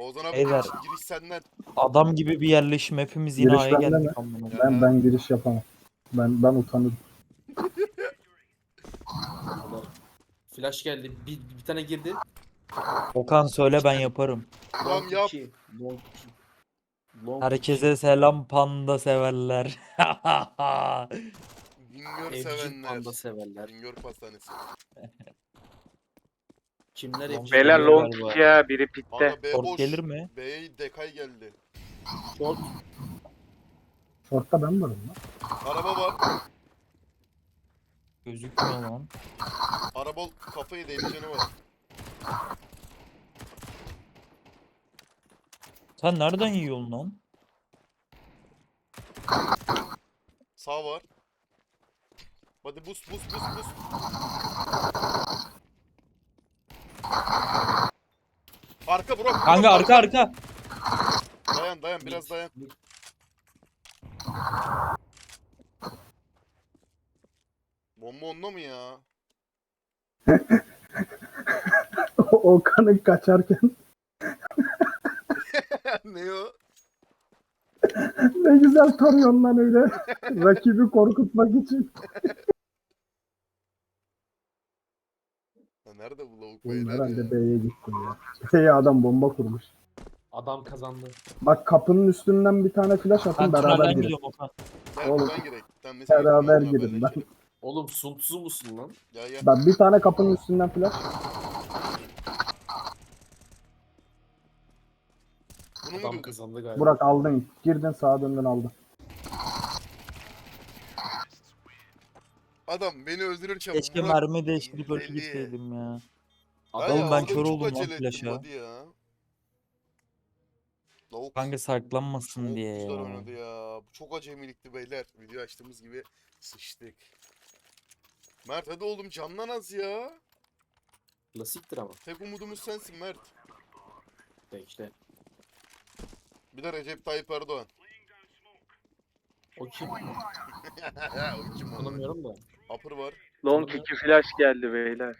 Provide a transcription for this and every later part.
Oğuzhan abi Beyler. giriş senden. Adam gibi bir yerleşim, hepimiz yine Giriş A'ya bende mi? geldik. amına. Ben giriş yapamam. Ben utanırım. Adam. Flash geldi. Bir tane girdi. Okan söyle ben yaparım. Tamam Long yap. 2. Long 2. Long Herkese selam, panda severler. Bingöl Evcil sevenler. panda severler. Bingöl pastanesi. Kimler Long evcil? Beyler geliyor long galiba. 2 ya, biri pitte. Aga B Short boş. gelir mi? B'ye dekay geldi. Short. Short'ta ben varım lan. Araba var. Gözükmüyor lan. Araba kafayı değmeyeceğini var. Sen nereden yiyorsun lan? Sağ var. Hadi bus. Arka bro. Kanka arka. Dayan biraz dayan. Bomba onda mı ya? Okan'ın kaçarken Ne o? ne güzel tarıyorsun lan öyle. Rakibi korkutmak için. Ya nerede bu lavuk Oğlum beyler herhalde ya? B'ye gitti ya. B'ye adam bomba kurmuş. Adam kazandı. Bak kapının üstünden bir tane flash atın Ben beraber tünelden girin. gidiyorum Okan. Gel Oğlum, buradan girek. Sen mesela Beraber gitme, girin lan. haberleşelim. Oğlum suntsuz musun lan? Gel. Ben bir tane kapının üstünden flash. Bunu mu Adam diyordun? kazandı galiba. Burak aldın. Girdin sağa döndün aldın. Adam beni öldürürken Keşke Murat mermi değiştirip öyle deli. gitseydim ya. Adam Oğlum ben orada kör çok oldum lan acele ettim, flash'a. hadi ya. Lavuk Kanka saklanmasın çok diye güzel ya. oynadı ya. Bu çok acemilikti beyler. Video açtığımız gibi sıçtık. Mert hadi oğlum canlan az ya. Klasiktir ama. Tek umudumuz sensin Mert. İşte. Bir de Recep Tayyip Erdoğan. O kim? O kim onu? Tanımıyorum da. Upper var. Long 2 flash geldi beyler.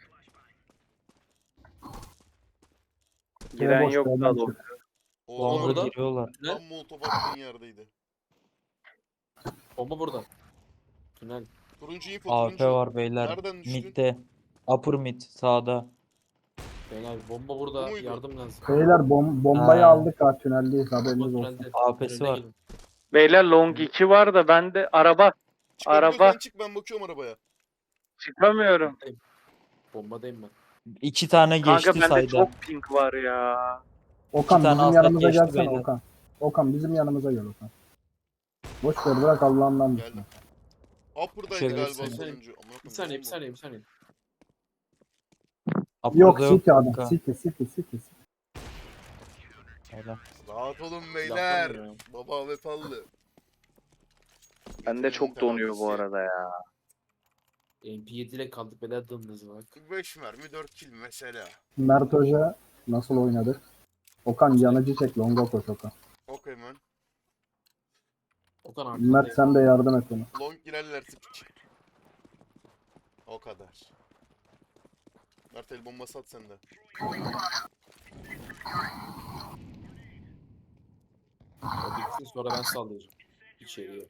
Giren boş, yok B'den da çık. long. O Bomba Longa burada. giriyorlar. tam molotov attığın yerdeydi. Bomba burada. Tünel. Turuncu info AWP turuncu. var beyler. Nereden düştün? Mid'de. Upper mid sağda. Beyler bomba burada. Bu muydu? Yardım lazım. Beyler bombayı Ha. aldık ha tüneldeyiz Bomba haberiniz olsun. tünelde. AWP'si Tünele var. gelin. Beyler long 2 var da bende araba. Çıkabiliyorsan Araba. çık, ben bakıyorum arabaya. Çıkamıyorum. Bombadayım ben. 2 tane Kanka geçti bende sayda. çok ping var ya. Okan İki tane bizim aslat yanımıza geçti gelsene beyler. Okan. Okan bizim yanımıza gel Okan. Boş ver bırak Allah'ından Geldim. düşme. Upper'daydı Şey, galiba bir saniye. sonuncu. Amına Bir koyayım, saniye, ne bir saniye, bir saniye. Yok Upper'da City adam. kanka. City. Helal. Rahat olun beyler. Yapamıyorum ya. Baba ve pallı. Bende çok donuyor bu arada ya. MP7 ile kaldık beyler dımdız bak. 5 mermi 4 kill mesela. Mert Hoca nasıl oynadı? Okan yanıcı çek longa koş Okan. Okey man. Okan Mert arkandayım. sen de yardım et ona. Long girerlerse piç. O kadar. Mert el bombası at sen de. O bitsin sonra ben sallayacağım. İçeriye.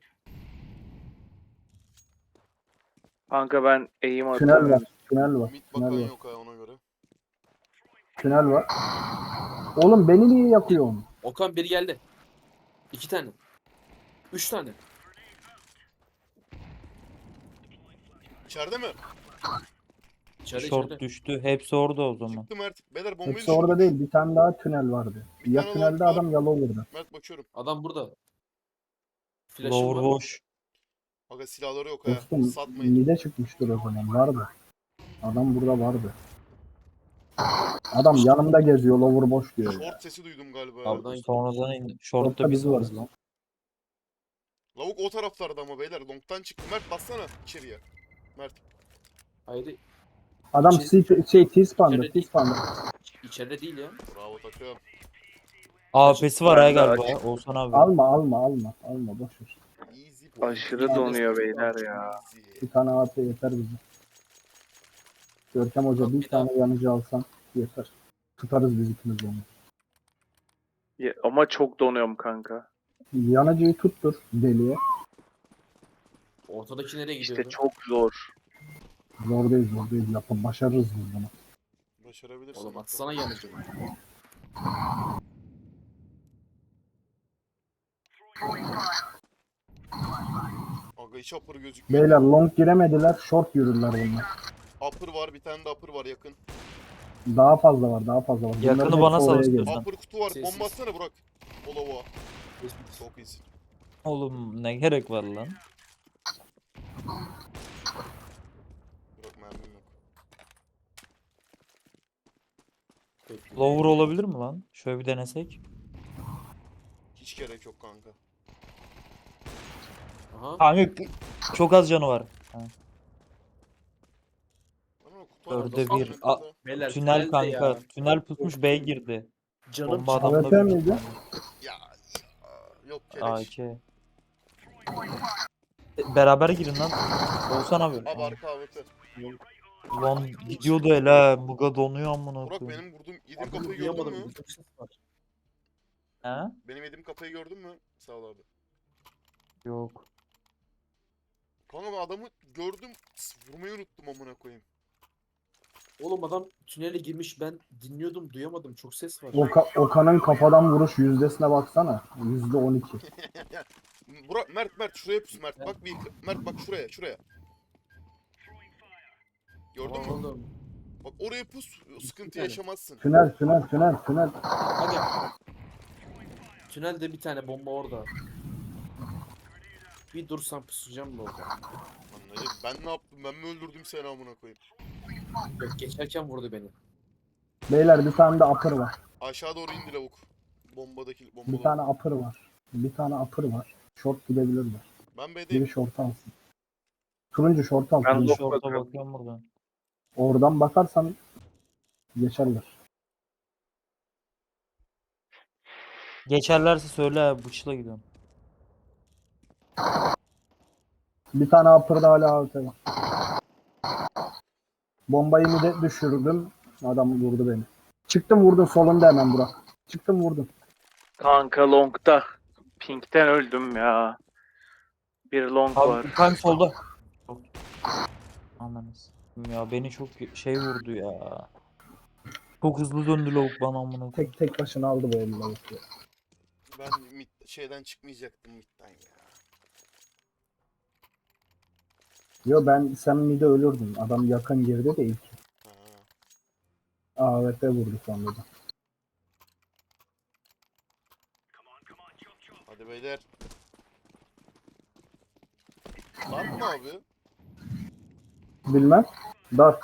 Kanka ben eğim Tünel var. atıyorum. Tünel var. Mid bakan Tünel var. yok ha ona göre. Tünel var. Oğlum beni niye yakıyorsun? Okan biri geldi. 2 tane. 3 tane. İçeride mi? İçeride Short içeride. düştü. Hepsi orada o zaman. Çıktı Mert. Beyler bombayı Hepsi orada düşürdük. değil. Bir tane daha tünel vardı. Bir Ya tane tünelde long var. adam ya lower'da. Mert bakıyorum. Adam burada. Flash'ım Lower var. boş. Aga silahları yok ha. Dostum Satmayın. mide çıkmıştır o zaman. Vardı. Adam burada vardı. Adam yanımda geziyor. Lower boş diyor ya. Short sesi duydum galiba. ya. Oradan Sonradan indi. Short'ta Short'ta biz biz varız. varız lan. Lavuk o taraflarda ama beyler. Long'tan çıktı. Mert bassana içeriye. Mert. Hayır. Adam T-Span'da. İçeride değil. T-Span'da. İçeride değil ya. Bravo takım. AWP'si var ha Ben de galiba. Oğuzhan abi. Alma boş ver. Easy boy. Aşırı donuyor beyler ya. Easy. Bir tane AP yeter bize. Görkem Hoca bir Bir daha. tane yanıcı alsan yeter. Tutarız biz ikimiz onu. Ama çok donuyorum kanka. Yanıcıyı tuttur deliye. Ortadaki nereye İşte gidiyordu? çok zor. Zor değil zor değil. Yapın başarırız biz bunu. Başarabilirsin. Oğlum bakalım. atsana yanıcı. Aga hiç upper gözükmüyor. Beyler long giremediler. Short yürürler bunlar. Upper var, bir tane de upper var yakın. Daha fazla var daha fazla var. Yakını Bunların bana hepsi sal oraya istiyorsan. gelir. Upper kutu var. Sessiz. Bomba atsana Burak. Olava. Çok iyisin. Oğlum ne gerek var lan? Burak mermim yok. Lower olabilir mi lan? Şöyle bir denesek. Hiç gerek yok kanka. Aha. Kanka çok az canı var. Bana kutu var. Dörde Nasıl bir. oynadı A- da? Beyler Tünel tünelde kanka. ya. Tünel tutmuş B girdi. Canım Bomba çıktı. adamda AWP büyük miydi? Ya. Yok keleş. AK. Beraber girin lan. Olsan abi. Abi arka AWP. Lan gidiyordu hele. Muga donuyor amına Burak koyayım. benim vurduğum yediğim Adını kafayı gördün duyamadım. mü? Çok ses var. He? Benim yediğim kafayı gördün mü? Sağ ol abi. Yok. Kanka ben adamı gördüm. Vurmayı unuttum amına koyayım. Oğlum adam tünele girmiş, ben dinliyordum, duyamadım, çok ses var. Okan'ın kafadan vuruş yüzdesine baksana. %12. Burak Mert şuraya pus Mert. Bak bir Mert bak şuraya. Gördün mü? Oğlum. Bak oraya pus, sıkıntı tane. yaşamazsın. Tünel. Aga. Tünelde bir tane bomba orada. Bir dursam pusacağım bu orada. Anlayın. Ben ne yaptım? Ben mi öldürdüm seni amına koyayım? Yok, geçerken vurdu beni. Beyler bir tane de upper var. Aşağı doğru indi lavuk. Bombadaki Bir bombalı. tane upper var. Bir tane upper var. Short gidebilirler. Ben Biri B'deyim. short alsın. Turuncu short al. Ben turuncu. long Şorta bakıyorum. bakıyorum buradan. Oradan bakarsan geçerler. Geçerlerse söyle bıçla gidiyorum. Bir tane upper'da hala AWP var. Bombayı mı de düşürdüm. Adam vurdu beni. Çıktım vurdum solunda hemen Burak. Çıktım vurdum. Kanka long'da. Pink'ten öldüm ya. Bir long var. Abi kanka solda. Anladınız. Ya beni çok şey vurdu ya. Çok hızlı döndü lavuk bana amına koyayım. Tek başına aldı bu elini lavuk ya. Ben şeyden çıkmayacaktım midden ya. Yo sen mide ölürdün. Adam yakın girdi de ilk. Ha. AWP vurdu sonra da. Hadi beyler. Var mı abi? Bilmem. Dar.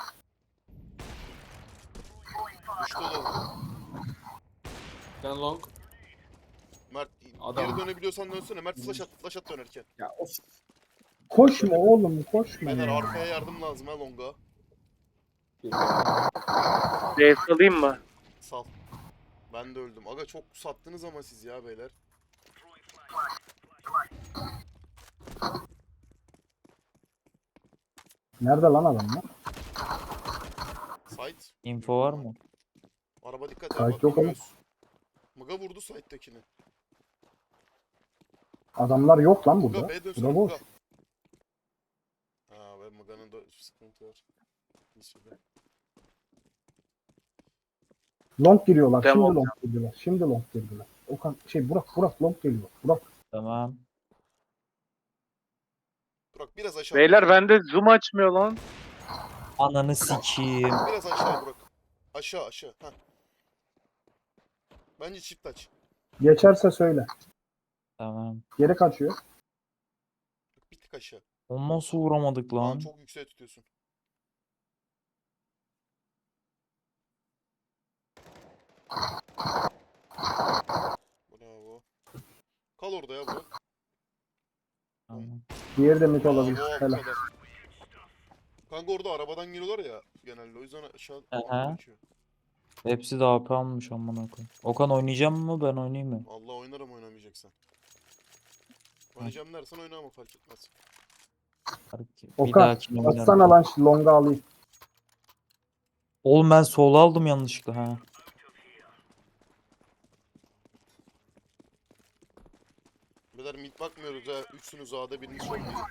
Düştü lavuk. Ben long. Mert Adam- geri dönebiliyorsan dönsene. Mert flash at dönerken. Ya of. Koşma oğlum koşma Beyler ya. arkaya yardım lazım ha longa. Bir- B salayım mı? Sal. Ben de öldüm. Aga çok sattınız ama siz ya beyler. Nerede lan adam ya? Sight. Info var mı? Araba dikkat et. Sight bak yok oğlum. görüyoruz. Muga vurdu Sight'tekini. Adamlar yok lan Muga burada. B dönsene Burada boş. Muga. Ha ve Muga'nın da sıkıntı var. Bir sürü. Long giriyorlar. Tamam. Şimdi long girdiler. Şimdi long girdiler. Okan Burak long geliyor. Burak. Tamam. Burak biraz aşağı. Beyler bende zoom açmıyor lan. Ananı sikeyim. Biraz aşağı Burak. Aşağı. Heh. Bence çift aç. Geçerse söyle. Tamam. Geri kaçıyor. Bir tık aşağı. Onu nasıl vuramadık Lan lan? çok yükseğe tutuyorsun. Bravo. Kal orada ya Burak. Tamam. Diğeri de mid Bravo, olabilir. bu Helal. kadar. Kanka orada arabadan geliyorlar ya genelde. O yüzden aşağı Aha. geçiyor. Hepsi de AP almış amına koyayım. Okan oynayacak mı ben oynayayım mı? Allah oynarım oynamayacaksan. Oynayacağım dersen oyna ama fark etmez. Bir Okan dahakine oynarım. atsana lan şu longa alayım. Oğlum ben sola aldım yanlışlıkla ha. Beyler mid bakmıyoruz ha. Üçsünüz A'da, biriniz short gidin.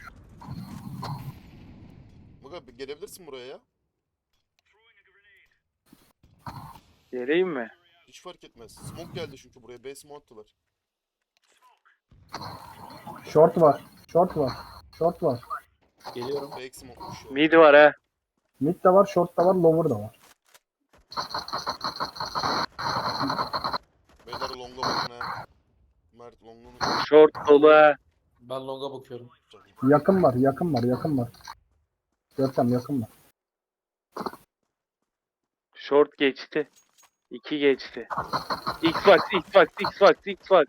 Muga gelebilirsin buraya ya. Geleyim mi? Hiç fark etmez. Smoke geldi çünkü buraya. B smoke attılar. Short var. Short var. Short var. Geliyorum. Fake smoke'muş ya. Mid var ha. Mid de var, short da var, lower da var. Beyler long'a bakın ha. Mert long'unu Short dolu ha. Ben longa bakıyorum. Yakın var, yakın var, yakın var. Görkem yakın var. Short geçti. 2 geçti. Xbox, Xbox, Xbox, Xbox.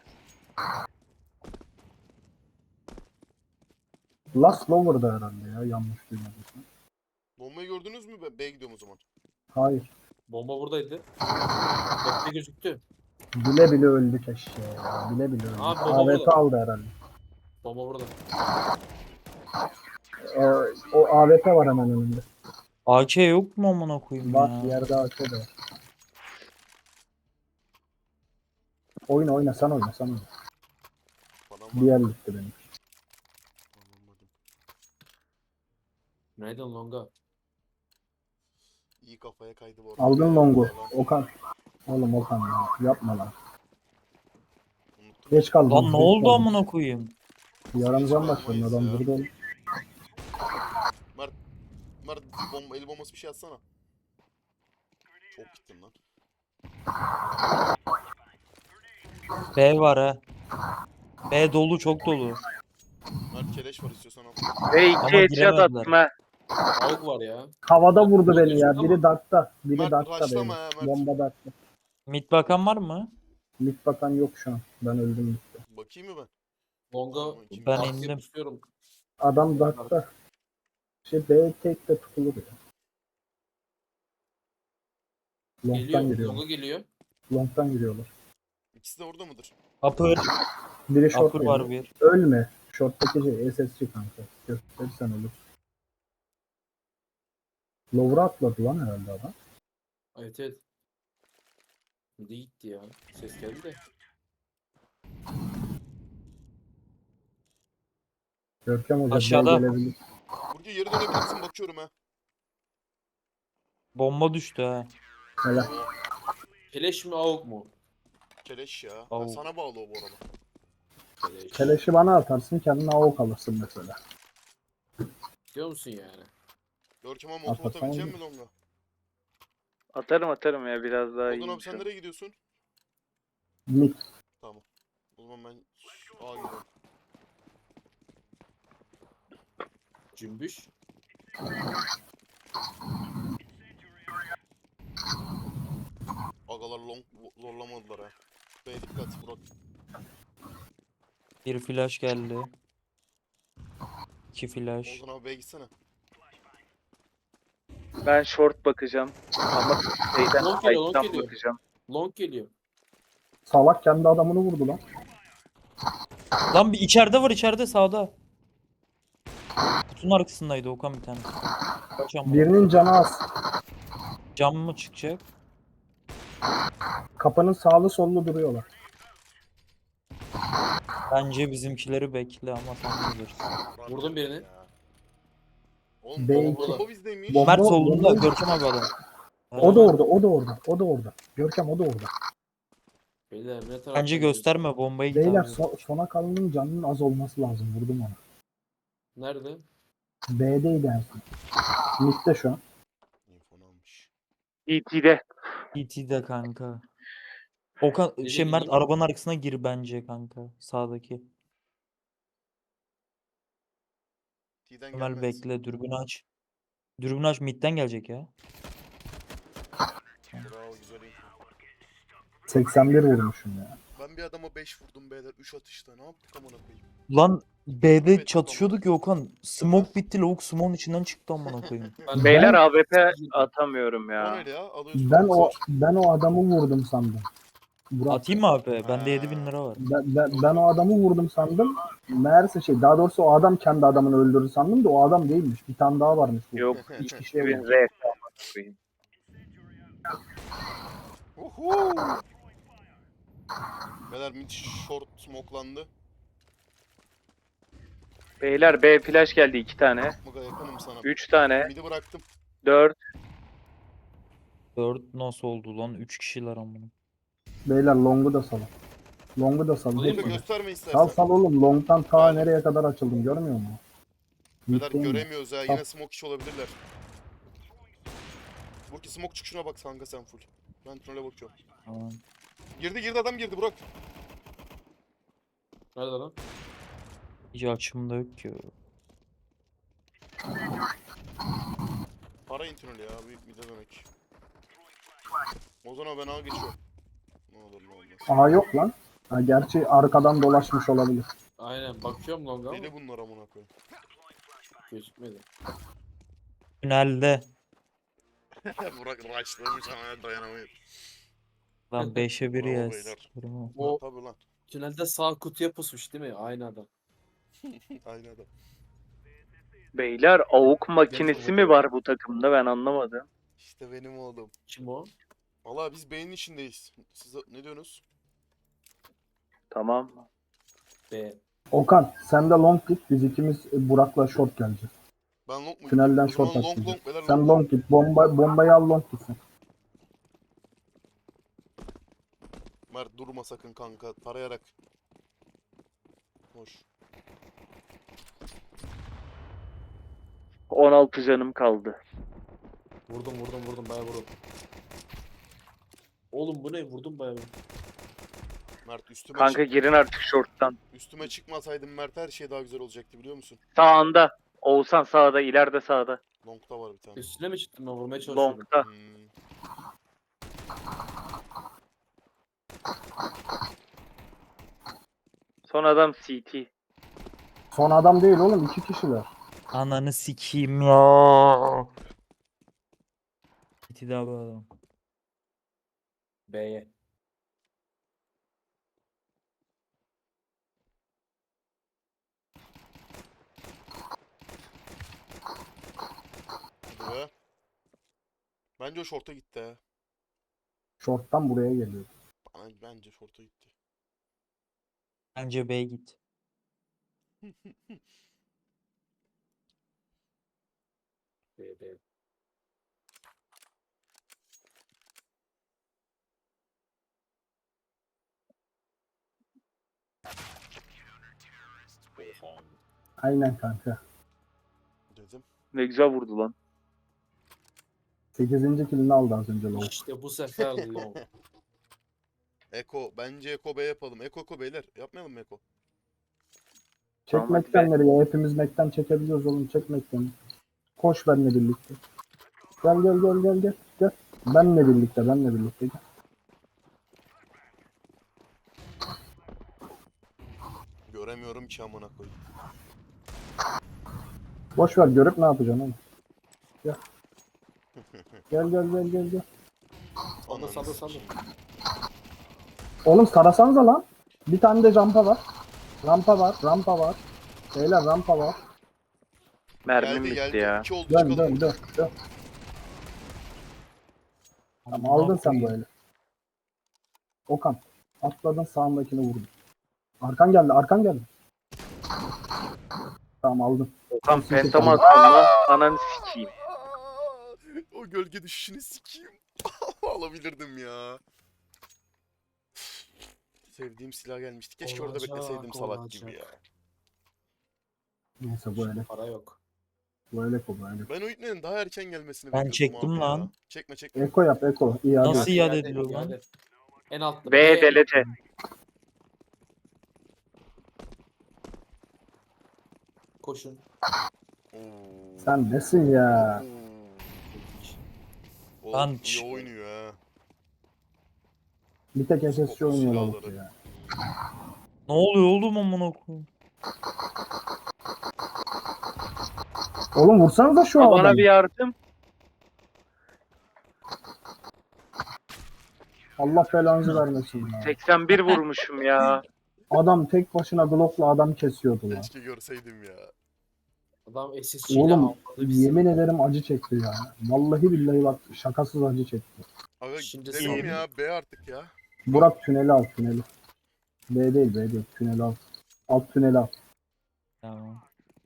Last lower'da herhalde ya, yanlış duymadıysam. Bombayı gördünüz mü? Ben B'ye gidiyorum o zaman. Hayır. Bomba buradaydı. Bekle gözüktü. Bile bile öldü keşke ya. Bile bile öldü. Abi, baba AWP burada. aldı herhalde. Bomba burada. O AWP var hemen önünde. AK yok mu amına koyayım Bak ya? yerde AK de var. Oyna oyna, sen oyna, sen oyna. Bana Bir yer gitti benim. Anlamadım. Nereden longa? İyi kafaya kaydı bu arada. Aldın longu. Yalan. Okan. Oğlum Okan ya. Yapma lan. Unuttum. Geç kaldın. Lan ne geç oldu kaldın. amına koyayım? Yaranacağım başladım, adam Ya. burada oğlum. Mert el bombası bir şey atsana. Çok gittin lan. B var ha. B dolu, çok dolu. Mert keleş var, istiyorsan al. Ve 2 Ama headshot giremediler. attım ha. Avuk var ya. Havada vurdu beni ya. Ama- Biri dartta. Biri Mert dartta rushlama beni. ya, Mert. Bomba dartta. Mid bakan var mı? Mid bakan yok şu an. Ben öldüm midde. Bakayım mı ben? Longa Ben arkaya indim. pusuyorum. Adam dartta. B tek de tutulur ya. Long'tan Geliyor. giriyorlar. Longa geliyor. Long'tan giriyorlar. İkisi de orada mıdır? Upper. Biri short Upper var geliyor. bir. Ölme. Short'taki SSC kanka. Gösterirsen olur. Lower'a atladı lan herhalde adam. Evet evet. Mide gitti ya. Ses geldi de. Görkem Hoca Aşağıda. gelebilir. Burcu geri dönebilirsin, bakıyorum ha. Bomba düştü ha. Helal. Oo, Keleş mi avuk mu? keleş ya. Au. Sana bağlı o bu arada. Keleş. Keleşi bana atarsın, kendine avuk alırsın mesela. Diyor musun yani? Görkem abi motor Atarsan atabilecek olur. mi longa? Atarım ya, biraz daha Oldun iyi. abi, sen nereye gidiyorsun? Mid. Tamam. O zaman ben A gidiyorum. Cümbüş. Agalar long zorlamadılar ha. B dikkat Burak. Bir flash geldi. 2 flash. Ozan abi B'ye gitsene. Ben short bakacağım. Ama şeyden, Long geliyor, long side'dan geliyor. bakacağım. Long geliyor. Salak kendi adamını vurdu lan. Lan bir içeride var, içeride sağda. Kutunun arkasındaydı Okan bir tane. Kaç amına. Birinin canı az. Cam mı çıkacak? Kapının sağlı sollu duruyorlar. Bence bizimkileri bekle ama sen bilirsin. Vurdum birini. Ya. Oğlum B2. bomba bizdeymiş. Bomba- Mert solunda, bomba- Görkem abi adam. O da orada, o da orada, o da orada. Görkem o da orada. Beyler ne taraftan Bence gidiyorsun? gösterme bombayı, git Beyler abi. sona kalanın canının az olması lazım. Vurdum onu. Nerede? B'deydi en son. Mid'de şu an. Infonu almış. ET'de. ET'de kanka. Okan Gece Mert gideyim. arabanın arkasına gir bence kanka. Sağdaki. T'den Ömer gelmez. bekle, dürbünü aç. Dürbünü aç, midden gelecek ya. Bravo, güzel info. 81 vurmuşum ya. Ben bir adama 5 vurdum beyler 3 atışta. Ne yaptık amına koyayım? Lan B'de Evet, çatışıyorduk ya Okan. Smoke bitti, lavuk smoke'un içinden çıktı amına koyayım. Beyler AWP atamıyorum O ya. neydi ya? Alıyorsun. Ben o adamı vurdum sandım. Burak, Atayım mı abi? Bende 7000 lira var. ben o adamı vurdum sandım. Meğerse daha doğrusu o adam kendi adamını öldürdü sandım da o adam değilmiş. Bir tane daha varmış. Bu. Yok. İki kişiye Bir vurdu. Z koyayım. Uhu. Beyler mid short smokelandı. Beyler B flash geldi 2 tane. Maga yakınım sana. 3 tane. Midi bıraktım. 4. 4 nasıl oldu lan? 3 kişiler amına. Beyler long'u da salın. Long'u da salın. Alayım mı? hepsini. Gösterme Sal istersen. sal oğlum. Long'tan ta Aynen. nereye kadar açıldım görmüyor musun? Beyler Bitti mi? göremiyoruz ha. Sal. Yine smoke iş olabilirler. Burki smoke çıkışına bak kanka sen full. Ben tünele bakıyorum. Tamam. Girdi adam girdi Burak. Nerede lan? Hiç açımda yok ki. Para tüneli ya. Büyük mide demek. O zaman ben ağa geçiyorum. Ne olur ne olmaz. Aha yok lan. Ha, gerçi arkadan dolaşmış olabilir. Aynen bakıyorum longa ama Deli bunlar amına koyayım. gözükmedi. Tünelde. Burak raşlamış ama dayanamıyor. Lan 5'e 1 Bravo yes. beyler. O Tabii lan. tünelde sağ kutuya pusmuş değil mi? Aynı adam. Aynı adam. Beyler avuk makinesi mi var bu takımda ben anlamadım. İşte benim oğlum. Kim o? Valla biz beynin içindeyiz. Siz ne diyorsunuz? Tamam. B. Okan sen de long git. Biz ikimiz Burak'la short geleceğiz. Ben long mu Tünelden gideyim? O zaman short long atacağız. beyler Sen long. long git. Bombayı al long gitsin. Mert durma sakın kanka. Tarayarak. Hoş. 16 canım kaldı. Vurdum bayağı vurdum. Oğlum bu ne? Vurdum bayağı. Mert üstüme Kanka girin artık short'tan. üstüme çıkmasaydım Mert her şey daha güzel olacaktı biliyor musun? Sağında. Oğuzhan sağda, ileride sağda. Long'da var bir tane. Üstüne mi çıktım ben vurmaya çalışıyordum. Long'da. Hmm. Son adam CT. Son adam değil oğlum. 2 kişiler. Ananı sikeyim ya. İti daha bu adam. B'ye. Hadi be. Bence o short'a gitti ha. Short'tan buraya geliyor. Bence short'a gitti. Bence B'ye git. B. Oha. Aynen kanka. Dedim. Ne güzel vurdu lan. 8. killini aldı az önce long. İşte bu sefer long. Eko. Bence Eko B yapalım. Eko beyler. Yapmayalım mı Eko? Çek Tamam, Mac'ten nereye? Hepimiz Mac'ten çekebiliyoruz oğlum. Çek Mac'ten. Koş benimle birlikte. Gel. Benle birlikte gel. Göremiyorum ki amına koyayım. Boş ver görüp ne yapacaksın oğlum? Gel. Gel. Ananı Salla. sikeyim. Oğlum sarasanıza lan. Bir tane de rampa var. Rampa var. Beyler rampa var. Mermim bitti Geldi. ya. 2 oldu Dön. çıkalım. Tamam aldın sen böyle. Okan. Atladın sağındakini vurdun. Arkan geldi. Tamam aldın. Okan pentama attım lan. Ananı sikeyim. O gölge düşüşünü sikeyim. Alabilirdim ya. Sevdiğim silah gelmişti. Keşke orada Olacak, bekleseydim salak olacak. gibi ya. Neyse bu öyle. Para yok. Bu öyle. Ben o ipnenin daha erken gelmesini Ben bekliyordum çektim abi lan. ya. Çekme. Eko yap Eko. İyi hadi. Nasıl iade İade, ediliyor lan? iade. En altta. B delete. Koşun. Oo. Sen nesin ya? Oo. Lan Oğlum iyi çık. oynuyor ha. Bir tek SSC Skoplu oynuyor silahları. lavuk ya. Ne oluyor oğlum amına koyayım? Oğlum vursanıza şu Bana adamı. bir yardım. Allah belanızı vermesin ya. 81 vurmuşum ya. Adam tek başına Glock'la adam kesiyordu lan. Keşke görseydim ya. Adam SSC ile Oğlum avladı bizi. yemin ederim acı çekti ya. Vallahi billahi bak şakasız acı çekti. Aga Şimdi gidelim sen- ya. B artık ya. Burak tüneli al tüneli. B değil tüneli al. Alt tüneli al. Tamam.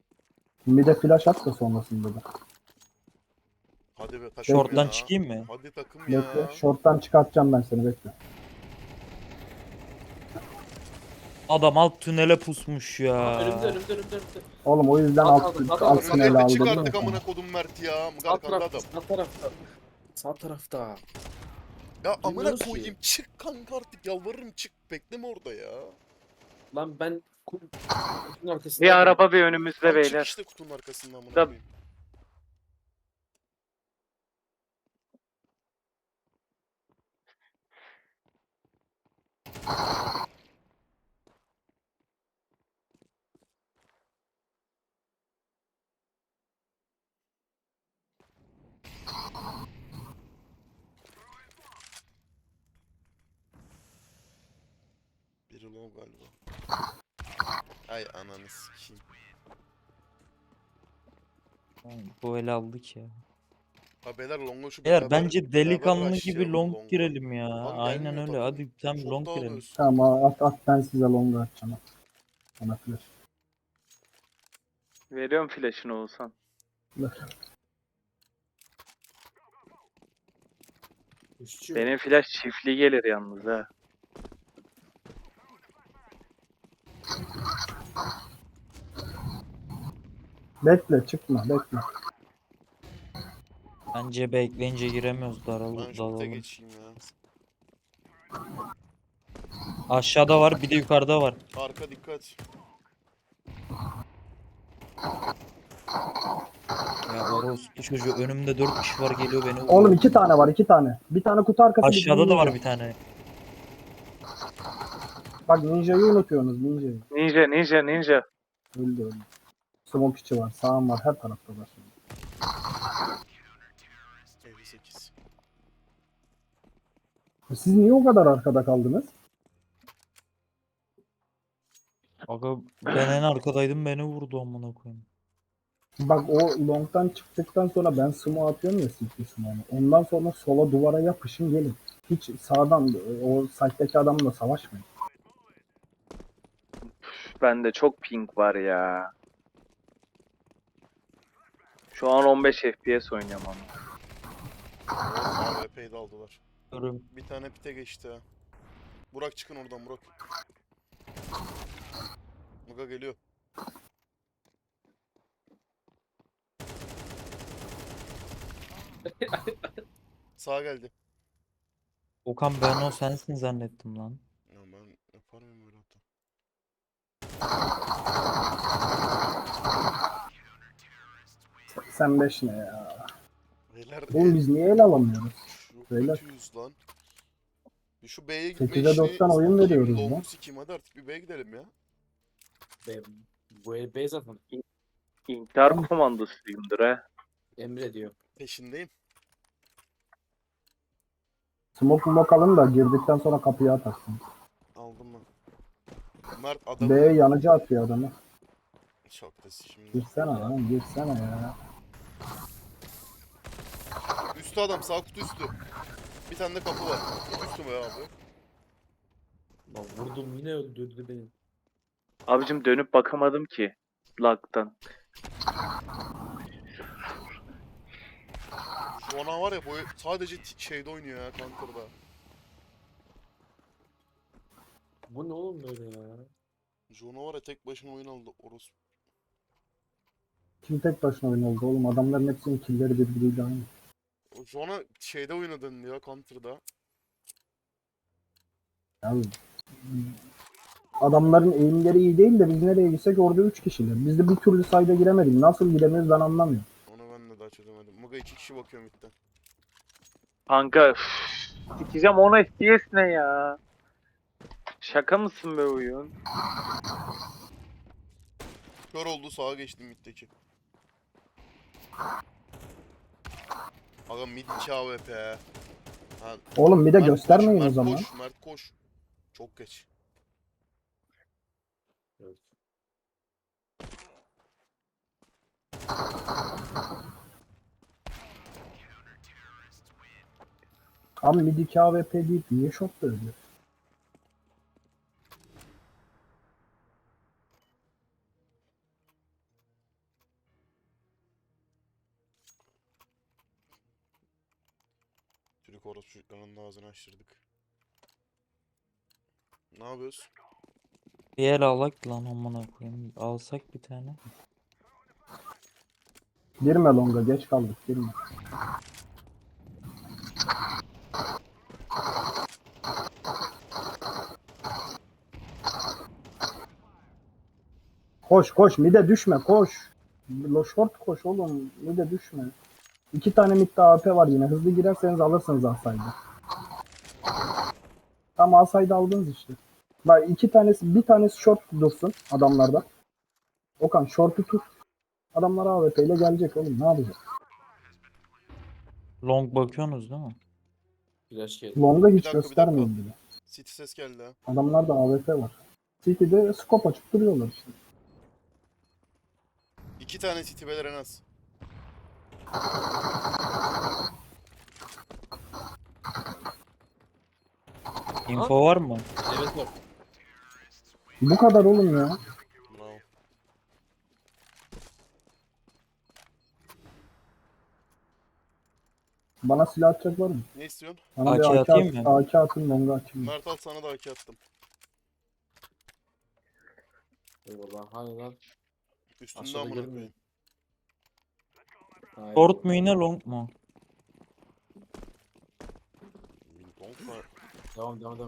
Bir de flash at da sonrasında da. Hadi be takım Short'tan ya. çıkayım mı? Hadi takım Bekle. ya. Short'tan çıkartacağım ben seni, bekle. Adam alt tünele pusmuş Aa, ya. önümde. Oğlum o yüzden At alt aldım, at alt aldım. tüneli Önünde aldım çık ya artık sana. amına kodum Mert ya. Sağ Arkamda tarafta, adam. sağ tarafta. Sağ tarafta. Ya amına Bilmiyoruz ki. koyayım çık kanka artık yalvarırım çık. Bekleme orada ya. Lan ben kutunun Bir arkasındaydım. araba bir önümüzde Tam çık beyler. işte kutunun arkasından amına Da- koyayım. Biri long galiba. Ay ananı sikeyim. Bu ele aldık ya. Ha beyler long'a şu Beyler beraber bence delikanlı gibi rushlayalım long long'a. girelim ya. Lan Aynen gelmiyor öyle. takım. Hadi sen Çok long girelim. dağılıyoruz. Tamam at ben size longa atacağım. At. Bana flash. Veriyorum flash'ını olsan. Üstçü. Benim flash çiftli gelir yalnız ha. Bekle çıkma bekle. Bence bekleyince giremiyoruz. Ben şu kute Dalalım. geçeyim ya. Aşağıda var, bir de yukarıda var. Arka dikkat. Ya orospu çocuğu önümde 4 kişi var, geliyor beni vuruyor. Oğlum 2 tane var, 2 tane. Bir tane kutu arkası. Aşağıda da var ninja. bir tane. Bak ninja'yı unutuyorsunuz, ninja'yı. Ninja. Öldü. Smoke içi var, sağım var, her tarafta var. 58. Siz niye o kadar arkada kaldınız? Aga ben en arkadaydım, beni vurdu amına koyayım. Bak o long'dan çıktıktan sonra ben smoke atıyorum ya, CT smoke'unu. Ondan sonra sola duvara yapışın gelin. Hiç sağdan o site'deki adamla savaşmayın. Bende çok ping var ya. Şu an 15 FPS oynuyorum ama. AWP'yi de aldılar. Görüm. Bir tane pite geçti ha. Burak çıkın oradan Burak. Muga geliyor. Sağa geldi. Okan ben o sensin zannettim lan. Ya ben yapar mıyım böyle hata? 85 ne ya? Beyler Oğlum biz niye el alamıyoruz? çok beyler. kötüyüz lan. Bir şu B'ye 8'e gitme 90 oyun veriyoruz Long'u lan. sikeyim hadi artık bir B'ye gidelim ya. Bu el B zaten. İntihar komandosuyumdur ha. Emre diyor. Peşindeyim. Smoke alın da girdikten sonra kapıya atarsın. Aldım ben. Mert adamı... B yanıcı atıyor adamı. Çok da şimdi. Girsene lan, girsene ya. Üstü adam sağ kutu üstü. Bir tane de kapı var. Üstü mü ya abi? Lan vurdum yine öldürdü beni. Abicim dönüp bakamadım ki. Lag'dan. Jona var ya bu sadece şeyde oynuyor ya Conquer'da. Bu ne oğlum böyle ya? Jona var ya tek başına oyun aldı orospu. Kim tek başına oyun oldu oğlum? Adamların hepsinin killleri birbiriyle aynı. O Jona şeyde oynadın ya Counter'da. Yani adamların eğimleri iyi değil de biz nereye gitsek orada 3 kişiler. Biz de bir türlü sayda giremedik. Nasıl giremiyoruz ben anlamıyorum. Onu ben de daha çözemedim. Muga 2 kişi bakıyor midden. Kanka üf, sikeceğim 10 FPS ne ya? Şaka mısın be oyun? Kör oldu sağa geçtim middeki. Aga mid 2 AWP. Ha, Oğlum bir de Mert göstermeyin koş, o zaman. Mert koş, Mert koş. Çok geç. Evet. Abi mid 2 AWP deyip niye shot ölüyor? Bak orası çocukların ağzını açtırdık. Ne yapıyoruz? Bir el alak lan amına koyayım. Alsak bir tane. Girme longa, geç kaldık, girme. Koş koş, mide düşme, koş. Short koş oğlum, mide düşme. 2 tane midde AP var yine, hızlı girerseniz alırsınız Asay'da. Tam Asay'da aldınız işte. Bak 2 tanesi, bir tanesi short dursun adamlarda. Okan short'u tut. Adamlar AWP ile gelecek oğlum, ne yapacak? Long bakıyorsunuz değil mi? Flash geldi. Long'a hiç dakika, bir göstermeyin bile. City ses geldi ha. Adamlarda AWP var. City'de scope açıp duruyorlar işte. 2 tane City beyler en az. Info var mı? Evet var. Bu kadar oğlum ya. Bravo. Bana silah atacak var mı? Ne istiyorsun? Bana AK bir atayım mı? AK atın, longa atayım. Mert al, sana da AK attım. Eyvallah. Hani lan. Üstünde Aşağıda amına gelmiyor. koyayım. Hayır. Short mu yine long mu? Donk var. Devam.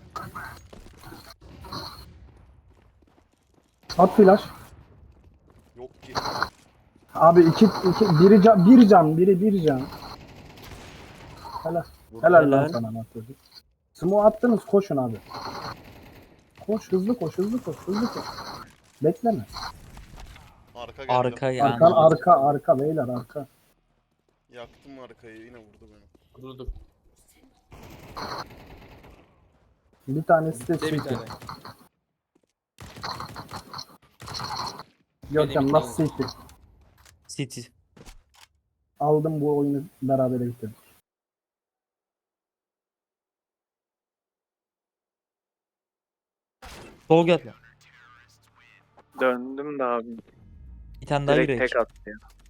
At flash. Yok ki. Abi bir can, biri bir can. Helal. Helal lan Helal. sana Anatoly. Smoke attınız, koşun abi. Koş, hızlı koş. Bekleme. Arka geldi. Arka yani. Arka beyler, arka. Yaktım arkayı, yine vurdu beni. Dur. Bir tanesi de De bir City. tane. Görkem bir nasıl City? City. Aldım, bu oyunu beraber bitirdik. Sol gel. Döndüm de abi. Bir tane daha Direkt yürek. tek attı ya.